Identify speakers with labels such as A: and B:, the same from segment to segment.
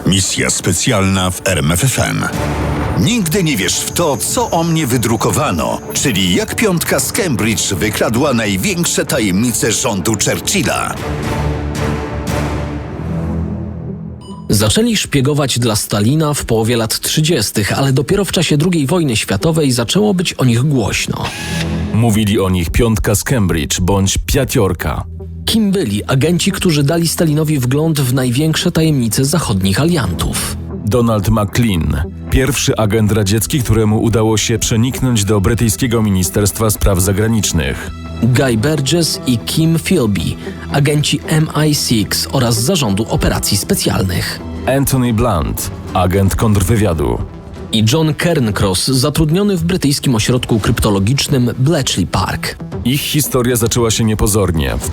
A: Misja specjalna w RMFFM. Nigdy nie wiesz w to, co o mnie wydrukowano, czyli jak piątka z Cambridge wykradła największe tajemnice rządu Churchilla.
B: Zaczęli szpiegować dla Stalina w połowie lat 30., ale dopiero w czasie II wojny światowej zaczęło być o nich głośno.
C: Mówili o nich piątka z Cambridge bądź piatiorka.
B: Kim byli agenci, którzy dali Stalinowi wgląd w największe tajemnice zachodnich aliantów?
C: Donald McLean, pierwszy agent radziecki, któremu udało się przeniknąć do brytyjskiego Ministerstwa Spraw Zagranicznych.
B: Guy Burgess i Kim Philby, agenci MI6 oraz Zarządu Operacji Specjalnych.
C: Anthony Blunt, agent kontrwywiadu.
B: I John Cairncross, zatrudniony w brytyjskim ośrodku kryptologicznym Bletchley Park.
C: Ich historia zaczęła się niepozornie w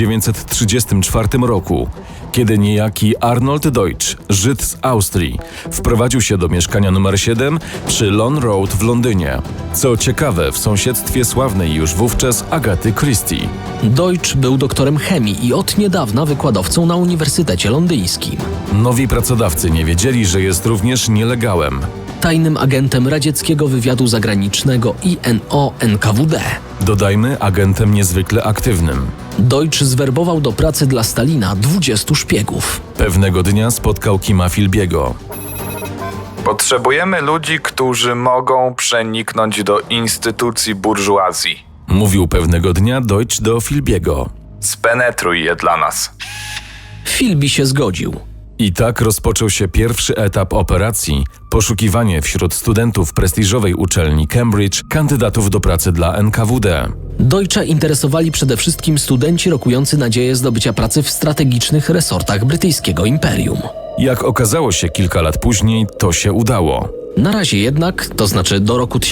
C: 1934 roku, kiedy niejaki Arnold Deutsch, Żyd z Austrii, wprowadził się do mieszkania nr 7 przy Lawn Road w Londynie. Co ciekawe, w sąsiedztwie sławnej już wówczas Agaty Christie.
B: Deutsch był doktorem chemii i od niedawna wykładowcą na Uniwersytecie Londyńskim.
C: Nowi pracodawcy nie wiedzieli, że jest również nielegałem.
B: Tajnym agentem radzieckiego wywiadu zagranicznego INO-NKWD.
C: Dodajmy, agentem niezwykle aktywnym.
B: Deutsch zwerbował do pracy dla Stalina 20 szpiegów.
C: Pewnego dnia spotkał Kima Philby'ego.
D: Potrzebujemy ludzi, którzy mogą przeniknąć do instytucji burżuazji.
C: Mówił pewnego dnia Deutsch do Philby'ego.
D: Spenetruj je dla nas.
B: Philby się zgodził.
C: I tak rozpoczął się pierwszy etap operacji – poszukiwanie wśród studentów prestiżowej uczelni Cambridge kandydatów do pracy dla NKWD.
B: Deutscha interesowali przede wszystkim studenci rokujący nadzieję zdobycia pracy w strategicznych resortach brytyjskiego imperium.
C: Jak okazało się kilka lat później, to się udało.
B: Na razie jednak, to znaczy do roku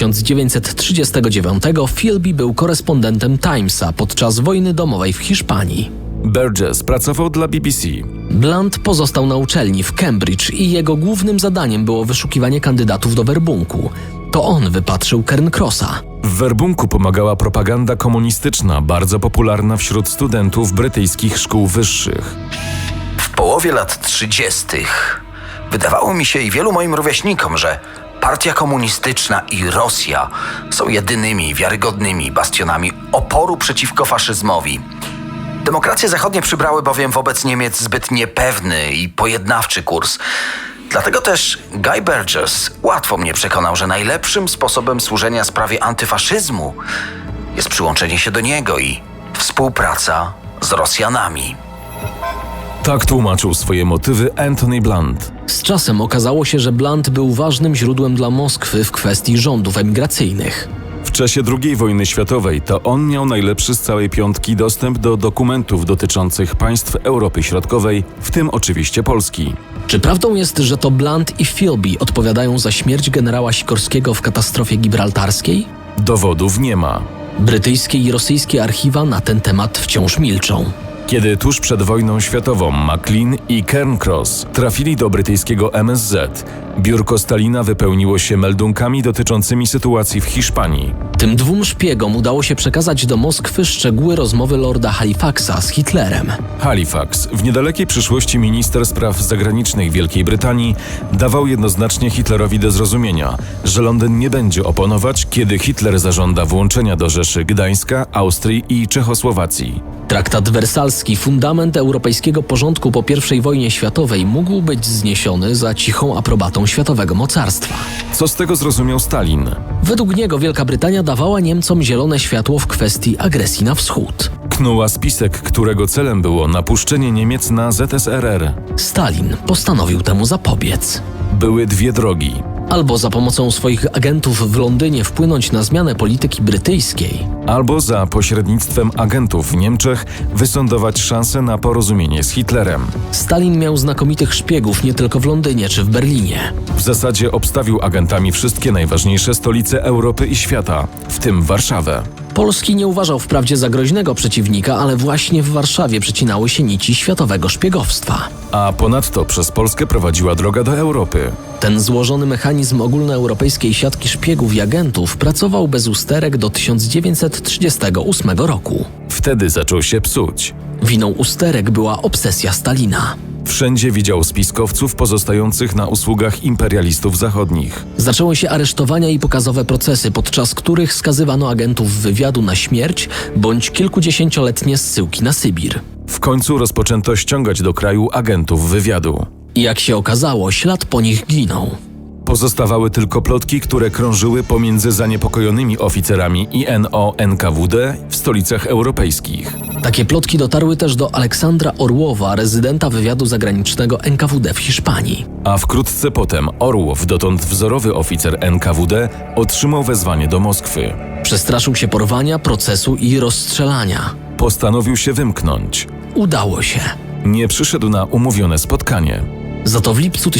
B: 1939, Philby był korespondentem Timesa podczas wojny domowej w Hiszpanii.
C: Burgess pracował dla BBC.
B: Blunt pozostał na uczelni w Cambridge i jego głównym zadaniem było wyszukiwanie kandydatów do werbunku. To on wypatrzył Cairncrossa.
C: W werbunku pomagała propaganda komunistyczna, bardzo popularna wśród studentów brytyjskich szkół wyższych.
E: W połowie lat 30. wydawało mi się i wielu moim rówieśnikom, że Partia Komunistyczna i Rosja są jedynymi wiarygodnymi bastionami oporu przeciwko faszyzmowi. Demokracje zachodnie przybrały bowiem wobec Niemiec zbyt niepewny i pojednawczy kurs. Dlatego też Guy Burgess łatwo mnie przekonał, że najlepszym sposobem służenia sprawie antyfaszyzmu jest przyłączenie się do niego i współpraca z Rosjanami.
C: Tak tłumaczył swoje motywy Anthony Blunt.
B: Z czasem okazało się, że Blunt był ważnym źródłem dla Moskwy w kwestii rządów emigracyjnych.
C: W czasie II wojny światowej to on miał najlepszy z całej piątki dostęp do dokumentów dotyczących państw Europy Środkowej, w tym oczywiście Polski.
B: Czy prawdą jest, że to Blunt i Philby odpowiadają za śmierć generała Sikorskiego w katastrofie gibraltarskiej?
C: Dowodów nie ma.
B: Brytyjskie i rosyjskie archiwa na ten temat wciąż milczą.
C: Kiedy tuż przed wojną światową McLean i Cairncross trafili do brytyjskiego MSZ, biurko Stalina wypełniło się meldunkami dotyczącymi sytuacji w Hiszpanii.
B: Tym dwóm szpiegom udało się przekazać do Moskwy szczegóły rozmowy lorda Halifaxa z Hitlerem.
C: Halifax, w niedalekiej przyszłości minister spraw zagranicznych Wielkiej Brytanii, dawał jednoznacznie Hitlerowi do zrozumienia, że Londyn nie będzie oponować, kiedy Hitler zażąda włączenia do Rzeszy Gdańska, Austrii i Czechosłowacji.
B: Traktat wersalski, fundament europejskiego porządku po I wojnie światowej, mógł być zniesiony za cichą aprobatą światowego mocarstwa.
C: Co z tego zrozumiał Stalin?
B: Według niego Wielka Brytania dawała Niemcom zielone światło w kwestii agresji na wschód.
C: Knuła spisek, którego celem było napuszczenie Niemiec na ZSRR.
B: Stalin postanowił temu zapobiec.
C: Były dwie drogi.
B: Albo za pomocą swoich agentów w Londynie wpłynąć na zmianę polityki brytyjskiej,
C: albo za pośrednictwem agentów w Niemczech wysądować szansę na porozumienie z Hitlerem.
B: Stalin miał znakomitych szpiegów nie tylko w Londynie czy w Berlinie.
C: W zasadzie obstawił agentami wszystkie najważniejsze stolice Europy i świata, w tym Warszawę.
B: Polski nie uważał wprawdzie za groźnego przeciwnika, ale właśnie w Warszawie przecinały się nici światowego szpiegowstwa.
C: A ponadto przez Polskę prowadziła droga do Europy.
B: Ten złożony mechanizm ogólnoeuropejskiej siatki szpiegów i agentów pracował bez usterek do 1938 roku.
C: Wtedy zaczął się psuć.
B: Winą usterek była obsesja Stalina.
C: Wszędzie widział spiskowców pozostających na usługach imperialistów zachodnich.
B: Zaczęły się aresztowania i pokazowe procesy, podczas których skazywano agentów wywiadu na śmierć bądź kilkudziesięcioletnie zsyłki na Sybir.
C: W końcu rozpoczęto ściągać do kraju agentów wywiadu.
B: I jak się okazało, ślad po nich ginął.
C: Pozostawały tylko plotki, które krążyły pomiędzy zaniepokojonymi oficerami INO-NKWD w stolicach europejskich.
B: Takie plotki dotarły też do Aleksandra Orłowa, rezydenta wywiadu zagranicznego NKWD w Hiszpanii.
C: A wkrótce potem Orłow, dotąd wzorowy oficer NKWD, otrzymał wezwanie do Moskwy.
B: Przestraszył się porwania, procesu i rozstrzelania.
C: Postanowił się wymknąć.
B: Udało się.
C: Nie przyszedł na umówione spotkanie.
B: Za to w lipcu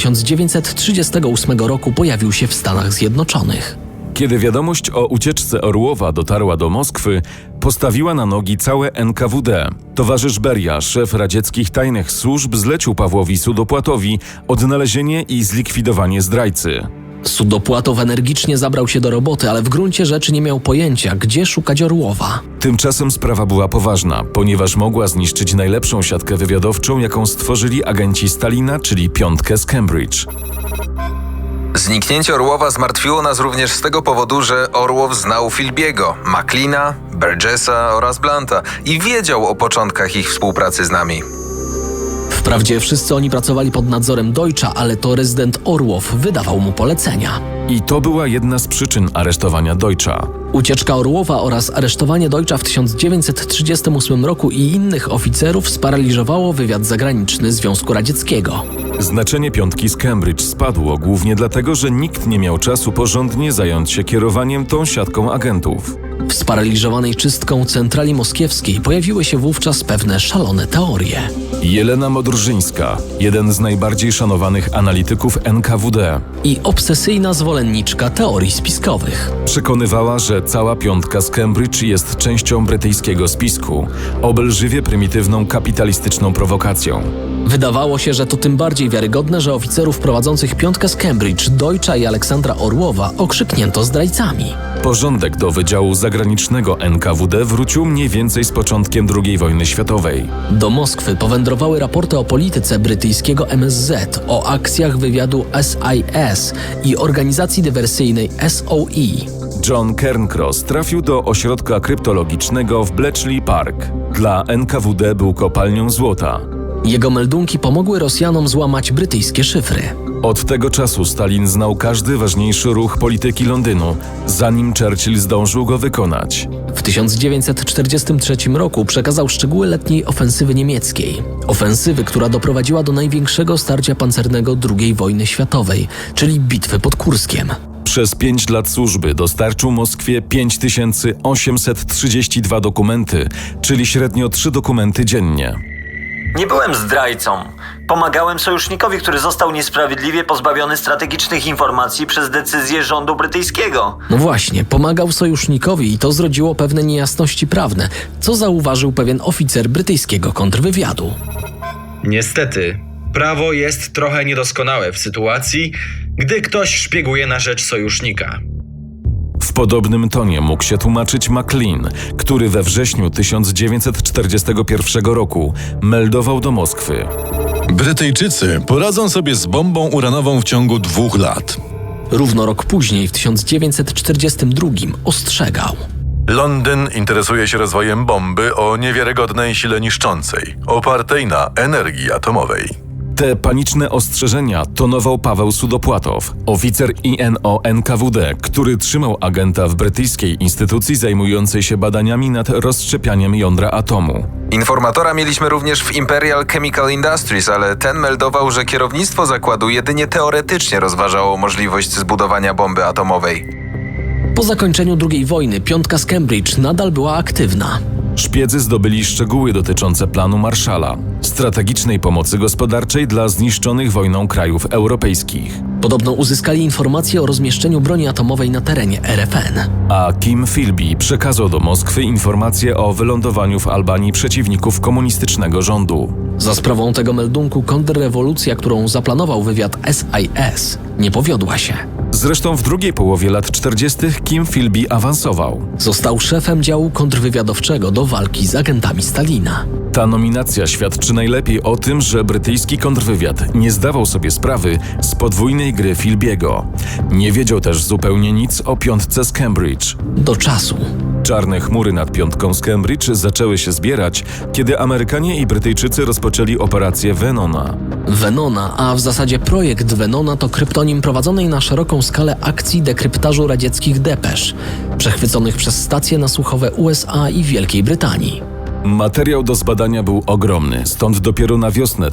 B: 1938 roku pojawił się w Stanach Zjednoczonych.
C: Kiedy wiadomość o ucieczce Orłowa dotarła do Moskwy, postawiła na nogi całe NKWD. Towarzysz Beria, szef radzieckich tajnych służb, zlecił Pawłowi Sudopłatowi odnalezienie i zlikwidowanie zdrajcy.
B: Sudopłatow energicznie zabrał się do roboty, ale w gruncie rzeczy nie miał pojęcia, gdzie szukać Orłowa.
C: Tymczasem sprawa była poważna, ponieważ mogła zniszczyć najlepszą siatkę wywiadowczą, jaką stworzyli agenci Stalina, czyli piątkę z Cambridge.
F: Zniknięcie Orłowa zmartwiło nas również z tego powodu, że Orłow znał Philbiego, Macleana, Burgessa oraz Blanta i wiedział o początkach ich współpracy z nami.
B: Wprawdzie wszyscy oni pracowali pod nadzorem Deutscha, ale to rezydent Orłow wydawał mu polecenia.
C: I to była jedna z przyczyn aresztowania Deutscha.
B: Ucieczka Orłowa oraz aresztowanie Deutscha w 1938 roku i innych oficerów sparaliżowało wywiad zagraniczny Związku Radzieckiego.
C: Znaczenie piątki z Cambridge spadło głównie dlatego, że nikt nie miał czasu porządnie zająć się kierowaniem tą siatką agentów.
B: W sparaliżowanej czystką centrali moskiewskiej pojawiły się wówczas pewne szalone teorie.
C: Jelena Modrzyńska, jeden z najbardziej szanowanych analityków NKWD,
B: I obsesyjna zwolenniczka teorii spiskowych.
C: przekonywała, że cała piątka z Cambridge jest częścią brytyjskiego spisku, obelżywie prymitywną kapitalistyczną prowokacją.
B: Wydawało się, że to tym bardziej wiarygodne, że oficerów prowadzących piątkę z Cambridge, Deutscha i Aleksandra Orłowa okrzyknięto zdrajcami.
C: Porządek do Wydziału Zagranicznego NKWD wrócił mniej więcej z początkiem II wojny światowej.
B: Do Moskwy powędrowały raporty o polityce brytyjskiego MSZ, o akcjach wywiadu SIS i organizacji dywersyjnej SOE.
C: John Cairncross trafił do ośrodka kryptologicznego w Bletchley Park. Dla NKWD był kopalnią złota.
B: Jego meldunki pomogły Rosjanom złamać brytyjskie szyfry.
C: Od tego czasu Stalin znał każdy ważniejszy ruch polityki Londynu, zanim Churchill zdążył go wykonać.
B: W 1943 roku przekazał szczegóły letniej ofensywy niemieckiej. Ofensywy, która doprowadziła do największego starcia pancernego II wojny światowej, czyli bitwy pod Kurskiem.
C: Przez 5 lat służby dostarczył Moskwie 5832 dokumenty, czyli średnio 3 dokumenty dziennie.
G: Nie byłem zdrajcą. Pomagałem sojusznikowi, który został niesprawiedliwie pozbawiony strategicznych informacji przez decyzję rządu brytyjskiego.
B: No właśnie, pomagał sojusznikowi i to zrodziło pewne niejasności prawne, co zauważył pewien oficer brytyjskiego kontrwywiadu.
H: Niestety, prawo jest trochę niedoskonałe w sytuacji, gdy ktoś szpieguje na rzecz sojusznika.
C: W podobnym tonie mógł się tłumaczyć Maclean, który we wrześniu 1941 roku meldował do Moskwy.
I: Brytyjczycy poradzą sobie z bombą uranową w ciągu 2 lat.
B: Równo rok później, w 1942, ostrzegał.
J: Londyn interesuje się rozwojem bomby o niewiarygodnej sile niszczącej, opartej na energii atomowej.
C: Te paniczne ostrzeżenia tonował Paweł Sudopłatow, oficer INO-NKWD, który trzymał agenta w brytyjskiej instytucji zajmującej się badaniami nad rozszczepianiem jądra atomu.
F: Informatora mieliśmy również w Imperial Chemical Industries, ale ten meldował, że kierownictwo zakładu jedynie teoretycznie rozważało możliwość zbudowania bomby atomowej.
B: Po zakończeniu II wojny piątka z Cambridge nadal była aktywna.
C: Szpiedzy zdobyli szczegóły dotyczące planu Marshalla, strategicznej pomocy gospodarczej dla zniszczonych wojną krajów europejskich.
B: Podobno uzyskali informacje o rozmieszczeniu broni atomowej na terenie RFN.
C: A Kim Philby przekazał do Moskwy informacje o wylądowaniu w Albanii przeciwników komunistycznego rządu.
B: Za sprawą tego meldunku kontrrewolucja, którą zaplanował wywiad SIS, nie powiodła się.
C: Zresztą w drugiej połowie lat 40. Kim Philby awansował.
B: Został szefem działu kontrwywiadowczego do walki z agentami Stalina.
C: Ta nominacja świadczy najlepiej o tym, że brytyjski kontrwywiad nie zdawał sobie sprawy z podwójnej gry Philby'ego. Nie wiedział też zupełnie nic o piątce z Cambridge.
B: Do czasu.
C: Czarne chmury nad piątką z Cambridge zaczęły się zbierać, kiedy Amerykanie i Brytyjczycy rozpoczęli operację Venona.
B: Venona, a w zasadzie projekt Venona to kryptonim prowadzonej na szeroką skalę akcji dekryptażu radzieckich depesz, przechwyconych przez stacje nasłuchowe USA i Wielkiej Brytanii.
C: Materiał do zbadania był ogromny, stąd dopiero na wiosnę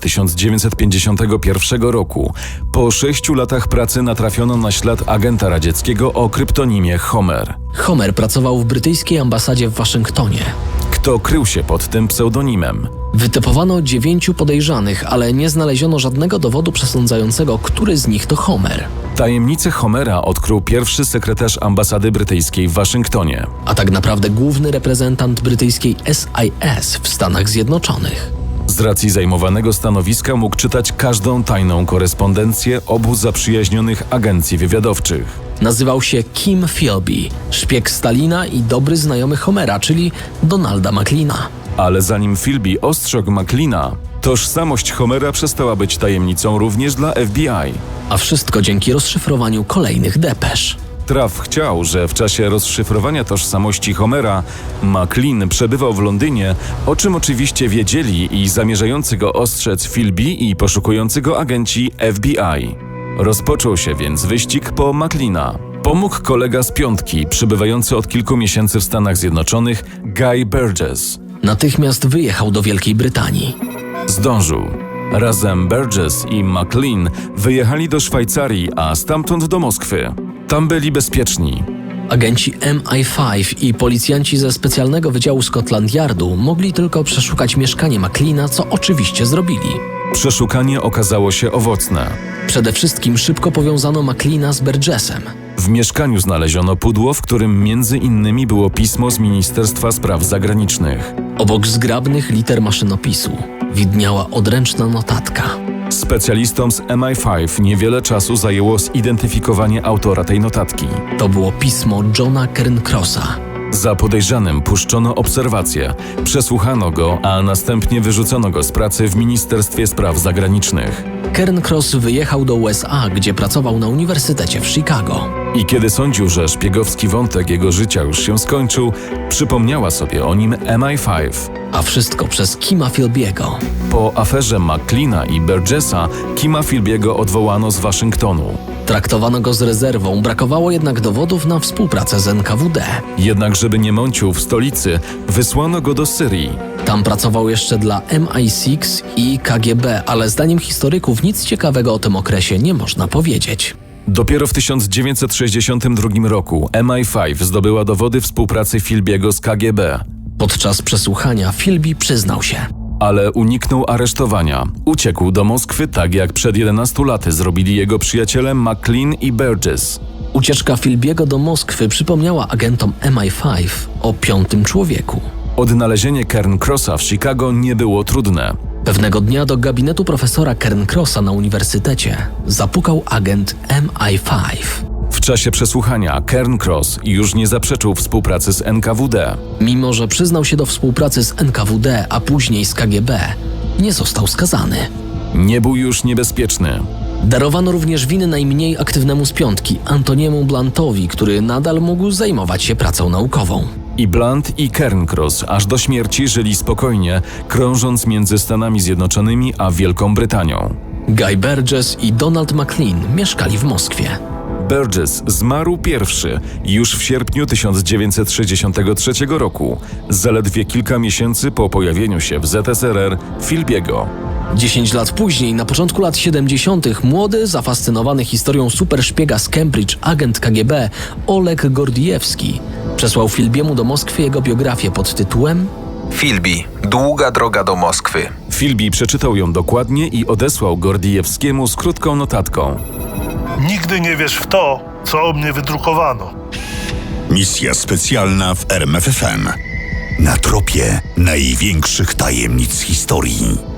C: 1951 roku, po 6 latach pracy natrafiono na ślad agenta radzieckiego o kryptonimie Homer.
B: Homer pracował w brytyjskiej ambasadzie w Waszyngtonie.
C: Kto krył się pod tym pseudonimem?
B: Wytypowano 9 podejrzanych, ale nie znaleziono żadnego dowodu przesądzającego, który z nich to Homer.
C: Tajemnicę Homera odkrył pierwszy sekretarz ambasady brytyjskiej w Waszyngtonie.
B: A tak naprawdę główny reprezentant brytyjskiej SIS w Stanach Zjednoczonych.
C: Z racji zajmowanego stanowiska mógł czytać każdą tajną korespondencję obu zaprzyjaźnionych agencji wywiadowczych.
B: Nazywał się Kim Philby, szpieg Stalina i dobry znajomy Homera, czyli Donalda Macleana.
C: Ale zanim Philby ostrzegł Macleana, tożsamość Homera przestała być tajemnicą również dla FBI.
B: A wszystko dzięki rozszyfrowaniu kolejnych depesz.
C: Traf chciał, że w czasie rozszyfrowania tożsamości Homera Maclean przebywał w Londynie, o czym oczywiście wiedzieli i zamierzający go ostrzec Philby i poszukujący go agenci FBI. Rozpoczął się więc wyścig po Macleana. Pomógł kolega z piątki, przybywający od kilku miesięcy w Stanach Zjednoczonych, Guy Burgess.
B: Natychmiast wyjechał do Wielkiej Brytanii.
C: Zdążył. Razem Burgess i Maclean wyjechali do Szwajcarii, a stamtąd do Moskwy. Tam byli bezpieczni.
B: Agenci MI5 i policjanci ze specjalnego wydziału Scotland Yardu mogli tylko przeszukać mieszkanie Macleana, co oczywiście zrobili.
C: Przeszukanie okazało się owocne.
B: Przede wszystkim szybko powiązano Macleana z Burgessem.
C: W mieszkaniu znaleziono pudło, w którym między innymi było pismo z Ministerstwa Spraw Zagranicznych.
B: Obok zgrabnych liter maszynopisu widniała odręczna notatka.
C: Specjalistom z MI5 niewiele czasu zajęło zidentyfikowanie autora tej notatki.
B: To było pismo Johna Cairncrossa.
C: Za podejrzanym puszczono obserwację, przesłuchano go, a następnie wyrzucono go z pracy w Ministerstwie Spraw Zagranicznych.
B: Cairncross wyjechał do USA, gdzie pracował na Uniwersytecie w Chicago.
C: I kiedy sądził, że szpiegowski wątek jego życia już się skończył, przypomniała sobie o nim MI5.
B: A wszystko przez Kima Philby'ego.
C: Po aferze Macleana i Burgessa Kima Philby'ego odwołano z Waszyngtonu.
B: Traktowano go z rezerwą, brakowało jednak dowodów na współpracę z NKWD.
C: Jednak żeby nie mącił w stolicy, wysłano go do Syrii.
B: Tam pracował jeszcze dla MI6 i KGB, ale zdaniem historyków nic ciekawego o tym okresie nie można powiedzieć.
C: Dopiero w 1962 roku MI5 zdobyła dowody współpracy Philby'ego z KGB.
B: Podczas przesłuchania Philby przyznał się.
C: Ale uniknął aresztowania. Uciekł do Moskwy tak jak przed 11 laty zrobili jego przyjaciele Maclean i Burgess.
B: Ucieczka Philby'ego do Moskwy przypomniała agentom MI5 o piątym człowieku.
C: Odnalezienie Cairncrossa w Chicago nie było trudne.
B: Pewnego dnia do gabinetu profesora Cairncrossa na uniwersytecie zapukał agent MI5.
C: W czasie przesłuchania Cairncross już nie zaprzeczył współpracy z NKWD.
B: Mimo że przyznał się do współpracy z NKWD, a później z KGB, nie został skazany.
C: Nie był już niebezpieczny.
B: Darowano również winy najmniej aktywnemu z piątki, Antoniemu Blantowi, który nadal mógł zajmować się pracą naukową.
C: I Blunt i Cairncross aż do śmierci żyli spokojnie, krążąc między Stanami Zjednoczonymi a Wielką Brytanią.
B: Guy Burgess i Donald Maclean mieszkali w Moskwie.
C: Burgess zmarł pierwszy już w sierpniu 1963 roku, zaledwie kilka miesięcy po pojawieniu się w ZSRR Philby'ego.
B: 10 lat później, na początku lat 70., młody, zafascynowany historią superszpiega z Cambridge agent KGB Oleg Gordiewski przesłał Philby'emu do Moskwy jego biografię pod tytułem
F: Philby. Długa droga do Moskwy.
C: Philby przeczytał ją dokładnie i odesłał Gordiewskiemu z krótką notatką.
K: Nigdy nie wiesz w to, co o mnie wydrukowano.
A: Misja specjalna w RMFFM. Na tropie największych tajemnic historii.